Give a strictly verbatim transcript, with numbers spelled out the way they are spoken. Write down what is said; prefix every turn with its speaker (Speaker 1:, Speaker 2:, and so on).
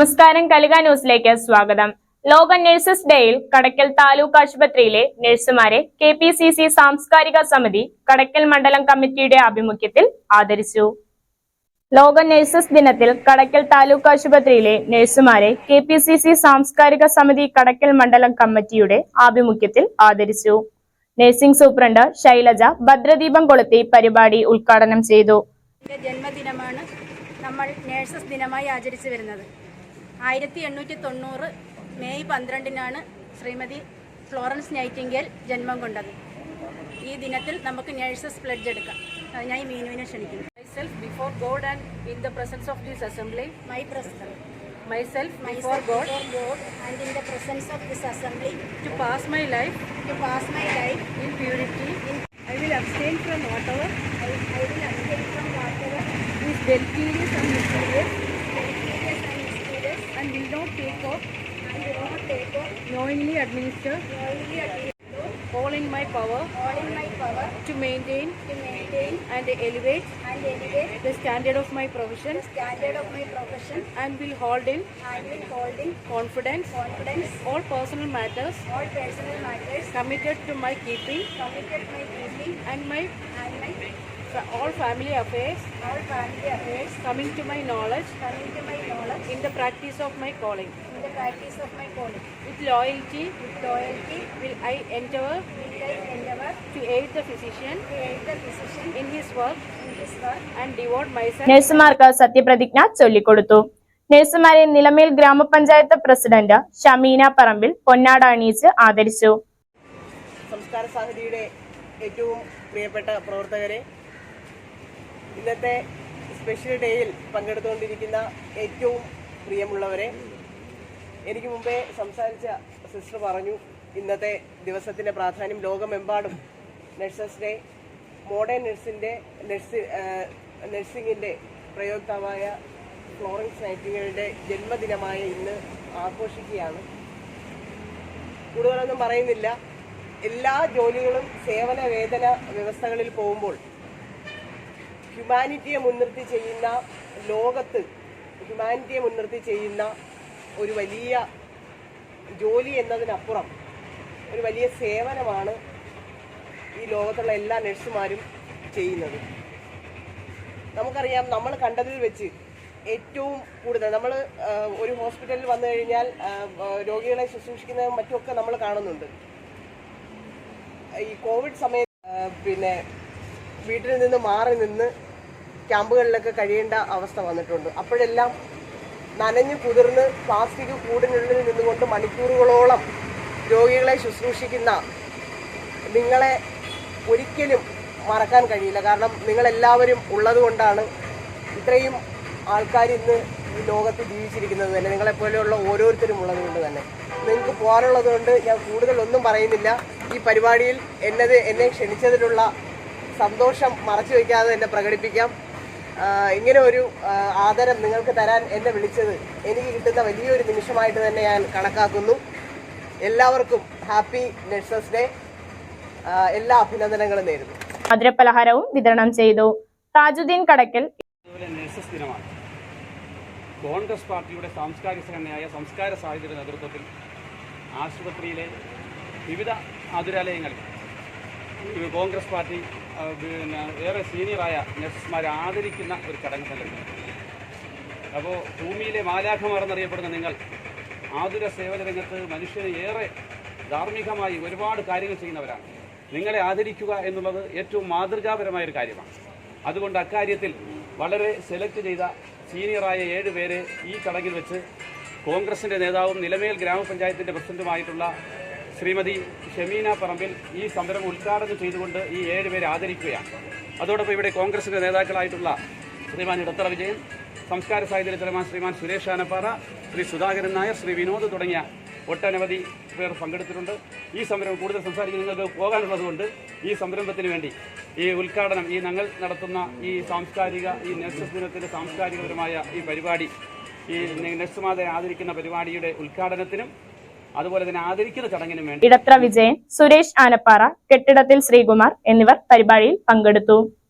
Speaker 1: നമസ്കാരം, കലിക ന്യൂസിലേക്ക് സ്വാഗതം. ലോക നഴ്സസ് ഡേയിൽ കടയ്ക്കൽ താലൂക്ക് ആശുപത്രിയിലെ നഴ്സുമാരെ കെ പി സി സി സാംസ്കാരിക സമിതി കടയ്ക്കൽ മണ്ഡലം കമ്മിറ്റിയുടെ ആഭിമുഖ്യത്തിൽ ആദരിച്ചു. ലോക നഴ്സസ് ദിനത്തിൽ കടയ്ക്കൽ താലൂക്ക് ആശുപത്രിയിലെ നഴ്സുമാരെ കെ പി സി സി സാംസ്കാരിക സമിതി കടയ്ക്കൽ മണ്ഡലം കമ്മിറ്റിയുടെ ആഭിമുഖ്യത്തിൽ ആദരിച്ചു. നഴ്സിംഗ് സൂപ്രണ്ട് ശൈലജ ഭദ്രദീപം കൊളുത്തി പരിപാടി ഉദ്ഘാടനം ചെയ്തു.
Speaker 2: ജന്മദിനമാണ് നമ്മൾ നഴ്സസ് ദിനമായി ആചരിച്ചു വരുന്നത്. ആയിരത്തി എണ്ണൂറ്റി തൊണ്ണൂറ് മെയ് പന്ത്രണ്ടിനാണ് ശ്രീമതി ഫ്ലോറൻസ് നൈറ്റിംഗേൽ ജന്മം കൊണ്ടത്. ഈ ദിനത്തിൽ നമുക്ക് നഴ്സസ് പ്ലെഡ്ജ് എടുക്കാം. അതിനായി മീനുവിനെ ക്ഷണിക്കുന്നു.
Speaker 3: Myself before God and in the presence of this assembly.
Speaker 2: My president.
Speaker 3: Myself
Speaker 2: before
Speaker 3: God.
Speaker 2: God and in the presence of this assembly.
Speaker 3: To pass my life.
Speaker 2: To pass my life
Speaker 3: in purity.
Speaker 2: In
Speaker 3: I will abstain from whatever.
Speaker 2: I, I will abstain from whatever
Speaker 3: is deleterious and mysterious.
Speaker 2: deleterious and mysterious.
Speaker 3: And will not take off.
Speaker 2: And will not take off.
Speaker 3: Knowingly administer.
Speaker 2: Knowingly administer.
Speaker 3: All in my power.
Speaker 2: All in my power.
Speaker 3: To maintain.
Speaker 2: To maintain.
Speaker 3: And elevate.
Speaker 2: And elevate.
Speaker 3: The standard of my profession.
Speaker 2: The standard of my profession.
Speaker 3: And will hold in.
Speaker 2: And will hold in.
Speaker 3: Confidence.
Speaker 2: Confidence.
Speaker 3: All personal matters.
Speaker 2: All personal matters.
Speaker 3: Committed to my keeping.
Speaker 2: Committed to my keeping.
Speaker 3: And my.
Speaker 2: And my.
Speaker 3: All family affairs.
Speaker 2: All family affairs.
Speaker 3: Coming to my knowledge.
Speaker 2: Coming to my knowledge.
Speaker 3: In the practice of my calling.
Speaker 2: In the practice of my calling.
Speaker 3: With loyalty.
Speaker 2: With loyalty.
Speaker 3: Will I endeavor.
Speaker 2: Will I endeavor.
Speaker 3: To aid the physician.
Speaker 2: To aid the physician.
Speaker 3: In his work.
Speaker 2: In his work.
Speaker 3: And devote myself.
Speaker 1: നഴ്സുമാർക്ക് സത്യപ്രതിജ്ഞ ചൊല്ലിക്കൊടുത്തു. നഴ്സുമാരെ നിലമേൽ ഗ്രാമപഞ്ചായത്ത് president Shameena പറമ്പിൽ പൊന്നാട അണിയിച്ച് ആദരിച്ചു.
Speaker 4: സംസ്കാര സാഹിതിയുടെ ഏറ്റവും പ്രിയപ്പെട്ട പ്രവർത്തകരെ, ഇന്നത്തെ സ്പെഷ്യൽ ഡേയിൽ പങ്കെടുത്തുകൊണ്ടിരിക്കുന്ന ഏറ്റവും പ്രിയമുള്ളവരെ, എനിക്ക് മുമ്പേ സംസാരിച്ച സിസ്റ്റർ പറഞ്ഞു ഇന്നത്തെ ദിവസത്തിൻ്റെ പ്രാധാന്യം. ലോകമെമ്പാടും നഴ്സസ് ഡേ മോഡേൺ നഴ്സിൻ്റെ നഴ്സി നഴ്സിംഗിൻ്റെ പ്രയോക്താവായ ഫ്ലോറൻസ് നൈറ്റിംഗേലിൻ്റെ ജന്മദിനമായ ഇന്ന് ആഘോഷിക്കുകയാണ്. കൂടുതലൊന്നും പറയുന്നില്ല. എല്ലാ ജോലികളും സേവന വേതന വ്യവസ്ഥകളിൽ പോകുമ്പോൾ ഹ്യൂമാനിറ്റിയെ മുൻനിർത്തി ചെയ്യുന്ന, ലോകത്ത് ഹ്യൂമാനിറ്റിയെ മുൻനിർത്തി ചെയ്യുന്ന ഒരു വലിയ ജോലി എന്നതിനപ്പുറം ഒരു വലിയ സേവനമാണ് ഈ ലോകത്തുള്ള എല്ലാ നഴ്സുമാരും ചെയ്യുന്നത്. നമുക്കറിയാം, നമ്മൾ കണ്ടതിൽ വെച്ച് ഏറ്റവും കൂടുതൽ നമ്മൾ ഒരു ഹോസ്പിറ്റലിൽ വന്നു കഴിഞ്ഞാൽ രോഗികളെ ശുശ്രൂഷിക്കുന്നതും മറ്റുമൊക്കെ നമ്മൾ കാണുന്നുണ്ട്. ഈ കോവിഡ് സമയത്ത് പിന്നെ വീട്ടിൽ നിന്ന് മാറി നിന്ന് ക്യാമ്പുകളിലൊക്കെ കഴിയേണ്ട അവസ്ഥ വന്നിട്ടുണ്ട്. അപ്പോഴെല്ലാം നനഞ്ഞു കുതിർന്ന് പ്ലാസ്റ്റിക് കൂടിനുള്ളിൽ നിന്നുകൊണ്ട് മണിക്കൂറുകളോളം രോഗികളെ ശുശ്രൂഷിക്കുന്ന നിങ്ങളെ ഒരിക്കലും മറക്കാൻ കഴിയില്ല. കാരണം നിങ്ങളെല്ലാവരും ഉള്ളത് കൊണ്ടാണ് ഇത്രയും ആൾക്കാർ ഇന്ന് ഈ ലോകത്ത് ജീവിച്ചിരിക്കുന്നത് തന്നെ. നിങ്ങളെപ്പോലെയുള്ള ഓരോരുത്തരും ഉള്ളത് കൊണ്ട് തന്നെ. നിങ്ങൾക്ക് പോകാനുള്ളത് കൊണ്ട് ഞാൻ കൂടുതലൊന്നും പറയുന്നില്ല. ഈ പരിപാടിയിൽ എന്നത് എന്നെ ക്ഷണിച്ചതിലുള്ള സന്തോഷം മറച്ചു വയ്ക്കാതെ എന്നെ പ്രകടിപ്പിക്കാം. ഇങ്ങനെ ഒരു ആദരം നിങ്ങൾക്ക് തരാൻ എന്നെ വിളിച്ചത് എനിക്ക് കിട്ടുന്ന വലിയൊരു നിമിഷമായിട്ട് തന്നെ ഞാൻ കണക്കാക്കുന്നു. എല്ലാവർക്കും ഹാപ്പി നഴ്സസ് ഡേ. എല്ലാ അഭിനന്ദനങ്ങളും നേരുന്നു.
Speaker 1: മധുരപലഹാരവും വിതരണം ചെയ്തു. താജുദ്ദീൻ കടയ്ക്കൽ.
Speaker 5: നഴ്സസ് ദിനമാണ്. കോൺഗ്രസ് പാർട്ടിയുടെ സാംസ്കാരിക സംഘടനയായ സംസ്കാര സാഹിത്യയുടെ നേതൃത്വത്തിൽ ആശുപത്രിയിലെ വിവിധ ആതുരാലയങ്ങളിൽ കോൺഗ്രസ് പാർട്ടി പിന്നെ ഏറെ സീനിയറായ നഴ്സുമാരെ ആദരിക്കുന്ന ഒരു ചടങ്ങ് സംഘടിപ്പിച്ചു. അപ്പോൾ ഭൂമിയിലെ മാലാഖമാർ എന്നറിയപ്പെടുന്ന നിങ്ങൾ ആതുര സേവന രംഗത്ത് മനുഷ്യന് ഏറെ ധാർമ്മികമായി ഒരുപാട് കാര്യങ്ങൾ ചെയ്യുന്നവരാണ്. നിങ്ങളെ ആദരിക്കുക എന്നുള്ളത് ഏറ്റവും മാതൃകാപരമായൊരു കാര്യമാണ്. അതുകൊണ്ട് അക്കാര്യത്തിൽ വളരെ സെലക്ട് ചെയ്ത സീനിയറായ ഏഴ് പേരെ ഈ ചടങ്ങിൽ വെച്ച് കോൺഗ്രസിൻ്റെ നേതാവും നിലമേൽ ഗ്രാമപഞ്ചായത്തിൻ്റെ പ്രസിഡന്റുമായിട്ടുള്ള ശ്രീമതി ഷമീന പറമ്പിൽ ഈ സംരംഭം ഉദ്ഘാടനം ചെയ്തുകൊണ്ട് ഈ ഏഴ് പേരെ ആദരിക്കുകയാണ്. അതോടൊപ്പം ഇവിടെ കോൺഗ്രസിൻ്റെ നേതാക്കളായിട്ടുള്ള ശ്രീമാൻ ഇടത്തറ വിജയൻ, സംസ്കാര സാഹിത്യ ചെയർമാൻ ശ്രീമാൻ സുരേഷ് ആനപ്പാറ, ശ്രീ സുധാകരൻ നായർ, ശ്രീ വിനോദ് തുടങ്ങിയ ഒട്ടനവധി പേർ പങ്കെടുത്തിട്ടുണ്ട്. ഈ സംരംഭം കൂടുതൽ സംസാരിക്കാൻ നിങ്ങൾക്ക് പോകാനുള്ളതുകൊണ്ട് ഈ സംരംഭത്തിന് വേണ്ടി ഈ ഉദ്ഘാടനം, ഈ ഞങ്ങൾ നടത്തുന്ന ഈ സാംസ്കാരിക ഈ നഴ്സസ് ദിനത്തിൻ്റെ സാംസ്കാരികപരമായ ഈ പരിപാടി, ഈ നഴ്സുമാരെ ആദരിക്കുന്ന പരിപാടിയുടെ ഉദ്ഘാടനത്തിനും അതുപോലെ തന്നെ ആദരിക്കുന്ന ചടങ്ങിനും വേണ്ടി
Speaker 1: ഇടത്ര വിജയൻ, സുരേഷ് ആനപ്പാറ, കെട്ടിടത്തിൽ ശ്രീകുമാർ എന്നിവർ പരിപാടിയിൽ പങ്കെടുത്തു.